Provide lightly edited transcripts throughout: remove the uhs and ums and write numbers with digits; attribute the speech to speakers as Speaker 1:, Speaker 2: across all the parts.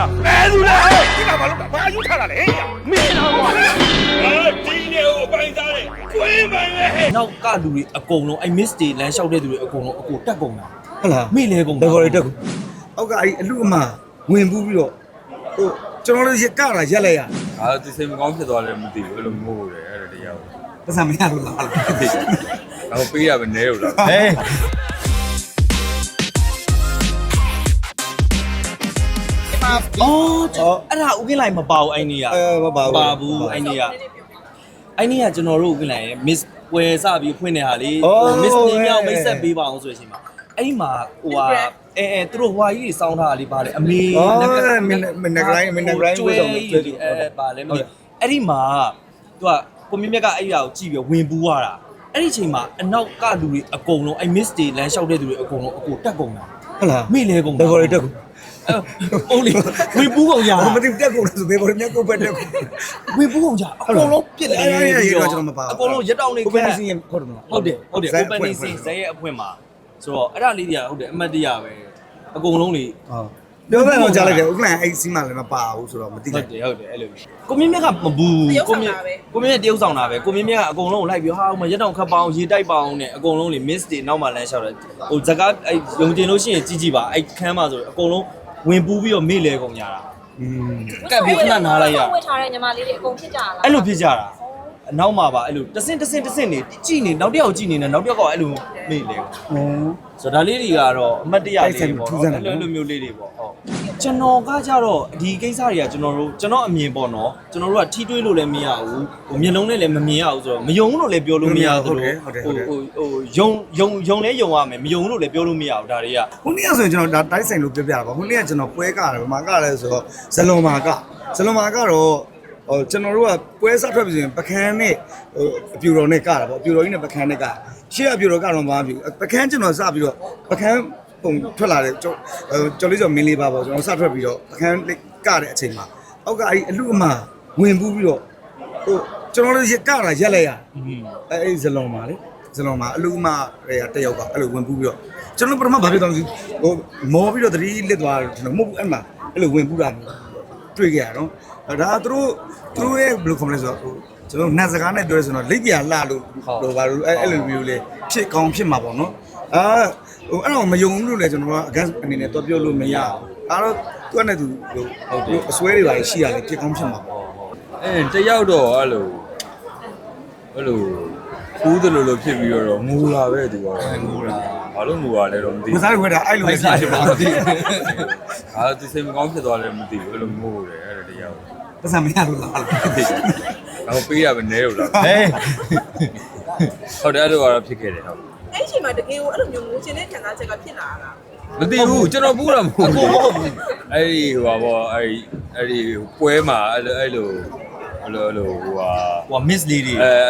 Speaker 1: 哎，出来！你干嘛弄？把油擦了嘞！没拿过。今年我搬家嘞，滚门嘞！
Speaker 2: နောက်ကလူတွေအကုန်လုံးအဲ့ miss တွေလမ်းလျှောက်တဲ့သူတွေအကုန်လုံးအကိုတက်ကုန်တာ
Speaker 3: ဟုတ်လား
Speaker 2: မိလေကုန်
Speaker 3: ဘယ်ခေါ်ရတက်ကိုအောက်ကအဲ့အလူအမဝင်ပူးပြီးတော့ဟိုကျွန်တော်တို့ရကလာရက်လိုက်ရ
Speaker 4: ဒီစိတ်မကောင်းဖြစ်သွားတယ်မသိဘူးအဲ့လိုမို့တယ်အဲ့ဒါတရားကို
Speaker 3: ပတ်စံမရလို့လား
Speaker 4: တော့ပေးရပဲနဲလို့လား
Speaker 2: ဟဲ့အော်အဲ့ဒါဥကင်းလိုက်မပါဘူးအဲ့နေ့က
Speaker 3: မပါဘူး
Speaker 2: ပါဘူးအဲ့နေ့ကကျွန်တော်တို့ဥကင်းလိုက်ရဲ့ miss ဝယ်စပြီးဖွင့်နေဟာလေ miss တင်မြောက်မိတ်ဆက်ပေးပါအောင်ဆိုတဲ့အချိန်မှာအဲ့မှာဟိုဟာသူတို့ဟွာကြီးတွေစောင်းထားတာလေးပါတယ်အမေ
Speaker 3: မနက်တိုင်းဝယ်ဆောင်တယ်
Speaker 2: ပါလဲမသိအဲ့ဒီမှာသူကကိုမြင့်မြတ်ကအဲ့ဒါကိုကြည့်ပြီးဝင်ပူးသွားတာအဲ့ဒီအချိန်မှာအနောက်ကလူတွေအကုန်လုံးအဲ့ miss တွေလမ်းလျှောက်တဲ့သူတွေအကုန်လုံးအကိုတက်ကုန်တာ
Speaker 3: ဟုတ်လား
Speaker 2: မိလေကုန်
Speaker 3: ဘယ်ခေါ်ရတက်ကို
Speaker 2: ဟုတ်လေဝင်ပူးကုန်ကြ
Speaker 3: မသိတက်ကိုဆိုဘယ်ခေါ်ရမြတ်ကိုပဲတက်ကို
Speaker 2: ဝင်ပူးကုန်ကြအကုန်လုံးပြစ်လေ
Speaker 3: အဲ့ဒါကျွန်တော်မပါ
Speaker 2: အကုန်လုံးရက်တောင်နေ
Speaker 3: ကိုပဲစီရင်ခေါ်တယ်မလား
Speaker 2: ဟုတ်တယ် open scene ဇက်ရဲ့အဖွင့်မှာဆိုတော့အဲ့ဒါလေးတွေကဟုတ်တယ်အမှတ်တရပဲအကုန်လုံးလေ
Speaker 3: ဟုတ်ပြောမယ်တော့ကြားလိုက်တယ်ဥက္ကလန်အဲ့စီးမှလည်းမပါဘူးဆိုတော့မသိ
Speaker 2: ဟု
Speaker 3: လိုက်
Speaker 2: တ်တယ်အဲ့လိုကိုမြင့်မြတ်ကမဘူးကိုမြင့်တရုပ်ဆောင်တာပဲကိုမြင့်မြတ်ကအကုန်လုံးလိုက်ပြီးဟာမရက်တောင်ခတ်ပအောင်ရေတိုက်ပအောင်နဲ့အကုန်လုံးလေ miss တွေနောက်မှလမ်းလျှောက်တယ်ဟိုဇကာအဲ့ယုံကျင်လို့ရှိရင်ကြည့်ပါအဲ့ခန်းမှာဆိုအကုန်လုံးဝင်ပူးပြီးတော့မေ့လဲကုန်ကြတာကပ်ပြီးခဏနားလိုက်ရ
Speaker 5: ဝတ်ထားတဲ့ညီမလေးတွေအကုန်ဖြစ်ကြလား
Speaker 2: အဲ့လိုဖြစ်ကြတာအနောက်မှာပါအဲ့လိုတဆင့်နေကြည့်နေနောက်တစ်ယောက်ကြည့်နေနောက်တစ်ယောက်ကအဲ့လိုမေ့လဲဆိုတော့ဒါလေးတွေကတော့အမှတ်တရလေးတွေပေါ့နော်အဲ့လိုမျိုးလေးတွေပေါ့ဟုတ်ကျွန်တော်ကကြတော့ဒီကိစ္စတွေကကျွန်တော်အမြင်ပေါ့နော်ကျွန်တော်တို့ကထီးတွေးလို့လည်းမရဘူးဟိုမျက်လုံးနဲ့လည်းမမြင်ရဘူးဆိုတော့မယုံလို့လည်းပြောလို့မရဘူးယုံလဲယုံရမယ်မယုံလို့လည်းပြောလို့မရဘူးဒါတွေက
Speaker 3: ခုနေ့ကဆိုရင်ကျွန်တော်ဒါတိုက်ဆိုင်လို့ပြောပြတာပါခုနေ့ကကျွန်တော်ပွဲကတယ်ဗမာကလည်းဆိုတော့ဇလွန်မာကတော့ဟိုကျွန်တော်တို့ကပွဲစားထွက်ပြီဆိုရင်ပကန်းနဲ့ဟိုအပြူတော်နဲ့ကတာပေါ့အပြူတော်ကြီးနဲ့ပကန်းနဲ့ကရှေ့အပြူတော်ကတော့မပါဘူးပကန်းကျွန်တော်စပြီးတော့ပကန်းပုံထွက်လာတယ်ကျော်လေးကျော်မင်းလေးပါပေါ့ကျွန်တော်စထွက်ပြီးတော့ပကန်းကတဲ့အချိန်မှာအောက်ကအဲ့အလူအမဝင်ပူးပြီးတော့ဟိုကျွန်တော်တို့ရကလာရက်လိုက်ရအဲ့ဇလွန်မာလေဇလွန်မာအလူအမတွေကတယောက်ကအဲ့လိုဝင်ပူးပြီးတော့ကျွန်တော်ပထမဘာဖြစ်တော့ဟိုမောပြီးတော့သတိလစ်သွားတယ်ကျွန်တော်မဟုတ်ဘူးအဲ့မှာအဲ့လိုဝင်ပူးတာတွေ့ကြရတော့ဒါသူတို့ရဲ့ဘယ်လိုခေါ်မလဲဆိုတော့ကျွန်တော်နတ်စကားနဲ့ပြောရဆိုတော့လိပ်ပြာလှလို့ဘာလို့အဲ့လိုမျိုးလေးဖြစ်ကောင်းဖြစ်မှာပေါ့နော်ဟိုအဲ့တော့မယုံဘူးလို့လည်းကျွန်တော်ကအကန့်အနေနဲ့တော့ပြောလို့မရဘူးအဲ့တော့သူကနဲ့သူဟုတ်တယ်အစွဲတွေပါရှိရတယ်ဖြစ်ကောင်းဖြစ်မှာပေါ့
Speaker 4: တယောက်တော့အဲ့လိုကူးတယ်လို့ဖြစ်ပြီးတော့ငူလာပဲသူကတော့ငူလာဘာလို့ငူလာလဲတော့မသိဘူး
Speaker 3: မစားခွဲတာအဲ့လိုပဲဖြစ်မှာမသိဘူး
Speaker 4: ဒီစိတ်မကောင်းဖြစ်သွားတယ်မသိဘူးအဲ့လိုမို့တယ်အဲ့ဒါတရားကို
Speaker 3: ပတ်စံမရလို့လား
Speaker 4: တော့ပေးရပဲနဲလို့လား
Speaker 2: ဟဲ့
Speaker 4: ဟုတ်တယ်အဲ့လိုကတော့ဖြစ်ခဲ့တယ်ဟုတ်
Speaker 6: အဲ့ချိန်မှာတကယ်ကိုအဲ့လိုမျိုးငိုချင်တဲ့ခံစားချက်ကဖြစ်လာတာ
Speaker 4: မသိဘူးကျွန်တော်ပူးတာမဟုတ်ဘူးအဲ့ဒီဟိုပါဘောအဲ့ဒီပွဲမှာအဲ့လိုဟို
Speaker 2: miss လေးတွေ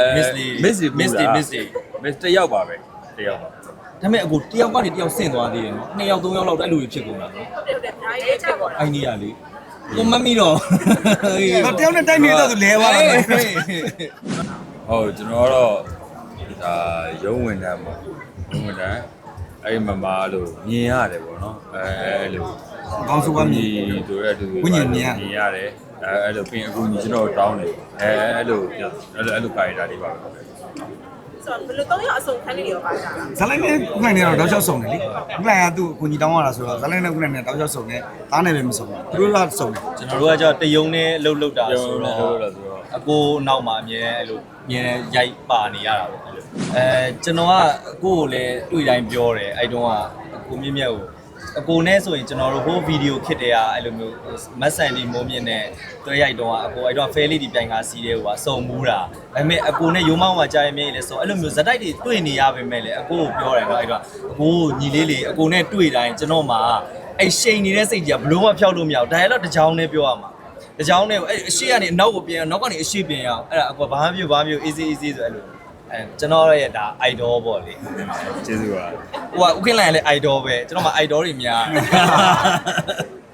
Speaker 4: miss တယောက်ပါပဲတယောက်ပါ
Speaker 2: ဒါပေမဲ့အကိုတယောက်ကနေတယောက်ဆင့်သွားသေးတယ်နော်2ယောက်3ယောက်လောက်အဲ့လိုဖြစ်ကုန်တာနော်
Speaker 6: ဟုတ်တယ်ဒါရေးချက်ပေါ့
Speaker 2: အဲ့ဒီကလေကိုမမီတော့
Speaker 3: တယောက်နဲ့တိုက်နေတော့သူလဲသွားတာပဲ
Speaker 4: ဟုတ်ကျွန်တော်ကတော့ဒါရုံးဝင်တန်းပေါ့ရုံးဝင်တန်းအဲ့မမလို့မြင်ရတယ်ပေါ့နော်အဲ့လို
Speaker 3: ကောင်းစုကမြည်
Speaker 4: ဆိုရဲတူမြင်ရတယ်အဲ့လိုပြင်အခုညီကျွန်တော်တောင်းတယ်အဲ့လိုကာရီတာလေးပါပဲ
Speaker 6: ဆိုတော့ဘယ်လိုတော့ရအစုံခန်းလေးတွေရောပါကြတာ
Speaker 3: ဇလိုင်းနဲ့ဥက္ကလန်နဲ့တော့တောက်လျှောက်စုံတယ်လေဥက္ကလန်ကသူ့ကိုကြီးတောင်းရတာဆိုတော့ဇလိုင်းနဲ့ဥက္ကလန်နဲ့တောက်လျှောက်စုံတယ်သားနဲ့ပဲမစုံဘူးသူတို့ကစုံတယ်
Speaker 2: ကျွန်တော်တို့ကကြောက်တယုံနဲ့လှုပ်တာဆို
Speaker 4: လို့
Speaker 2: တော့
Speaker 4: လို့ဆိုတော့
Speaker 2: အကိုနောက်မှာအမြဲအဲ့လိုမြင်ရိုက်ပါနေရတာပေါ့အဲ့လိုကျွန်တော်ကအကိုကိုလည်းတွေ့တိုင်းပြောတယ်အဲ့တုန်းကအကိုမြင့်မြတ်ကိုအကိုနဲ့ဆိုရင်ကျွန်တော်တို့ဟိုဗီဒီယိုခစ်တဲ့ကအဲ့လိုမျိုးမတ်ဆန်ဒီမိုးမြင့်နဲ့တွဲရိုက်တုန်းကအကိုအဲ့တော့ဖဲလေးဒီပြိုင်ကားစီးတဲ့ဟိုကစုံမူးတာဒါပေမဲ့အကိုနဲ့ရုံးမောင်းမှာကြားရမြဲလေဆိုအဲ့လိုမျိုးဇက်တိုက်တွေတွေ့နေရပါမယ်လေအကိုကိုပြောတယ်နော်အဲ့တော့အကိုညီလေးလေးအကိုနဲ့တွေ့တိုင်းကျွန်တော်မှာအဲ့ရှိန်နေတဲ့စိတ်ကြီးကဘလို့မှဖျောက်လို့မရဘူးဒါရတော့တစ်ချောင်းနဲ့ပြောရမှာတစ်ချောင်းနဲ့အဲ့အရှိကနေအနောက်ကိုပြန်နောက်ကနေအရှိပြန်ရအောင်အဲ့ဒါအကွာဘာမှ easy ဆိုအဲ့လိုကျွန်တော်ရဲ့ဒါ idol ပေါ့လေ
Speaker 4: ကျေးဇူးပါ
Speaker 2: ဟိုကဥက္ကလန်လည်း idol ပဲကျွန်တော်မှ idol တွေများ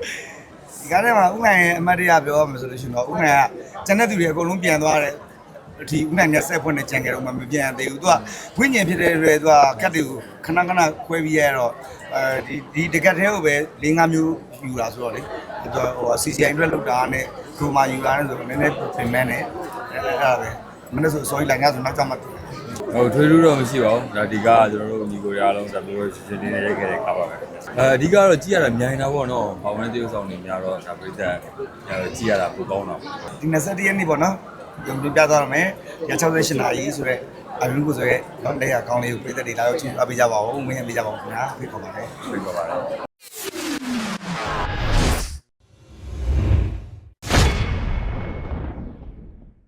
Speaker 3: ဒီကားထဲမှာဥက္ကလန်ရဲ့အမတ်တရပြောရမယ်ဆိုလို့ရှိရင်တော့ဥက္ကလန်ကကျန်တဲ့သူတွေအကုန်လုံးပြန်သွားတယ်ဒီဥနိုင်နဲ့ဆက်ဖွင့်နေကြံကြတော့မှမပြန်သေးဘူးသူကဝိညာဉ်ဖြစ်တဲ့တွေသူကကတ်တွေကိုခဏခဏခွဲပြီးရတော့ဒီတကတ်သေးကိုပဲ၄-၅မျိုးယူတာဆိုတော့လေသူကဟို CCI အတွက်လောက်တာနဲ့ဒရိုမာယူတာနဲ့ဆိုတော့နည်းနည်းပြင်မဲနဲ့အဲ့ဒါပဲမနေ့ဆိုစောကြီးလိုက်ငါဆိုနောက်ကျမှ
Speaker 4: ဟိုထွေးထူးတော့မရှိပါဘူးဒါဒီကကျွန်တော်တို့ညီကိုရအားလုံးဒါမျိုးရှင်းရှင်းလေးရိုက်ခဲ့တဲ့ကားပါပဲအဓိကတော့ကြည့်ရတာမြိုင်တာပေါ့နော်ဘောင်ဝဲတေးဥဆောင်နေများတော့ဒါပြိတ္တကြည့်ရတာပိုကောင်းတော့
Speaker 3: ဒီ21ရက်နေ့ပေါ့နော်ဒီပြသွားရမယ်ရ68နာရီဆိုတော့အရင်ကဆိုရဲတော့လက်ရကောင်းလေးကိုပြည်သက်တွေလာရောက်ကြည့်အပေးကြပါဦးမင်းအပေးကြပါဦးခင်ဗျာဖိတ်ခေါ်ပါတယ်
Speaker 4: ပြပါပါတယ်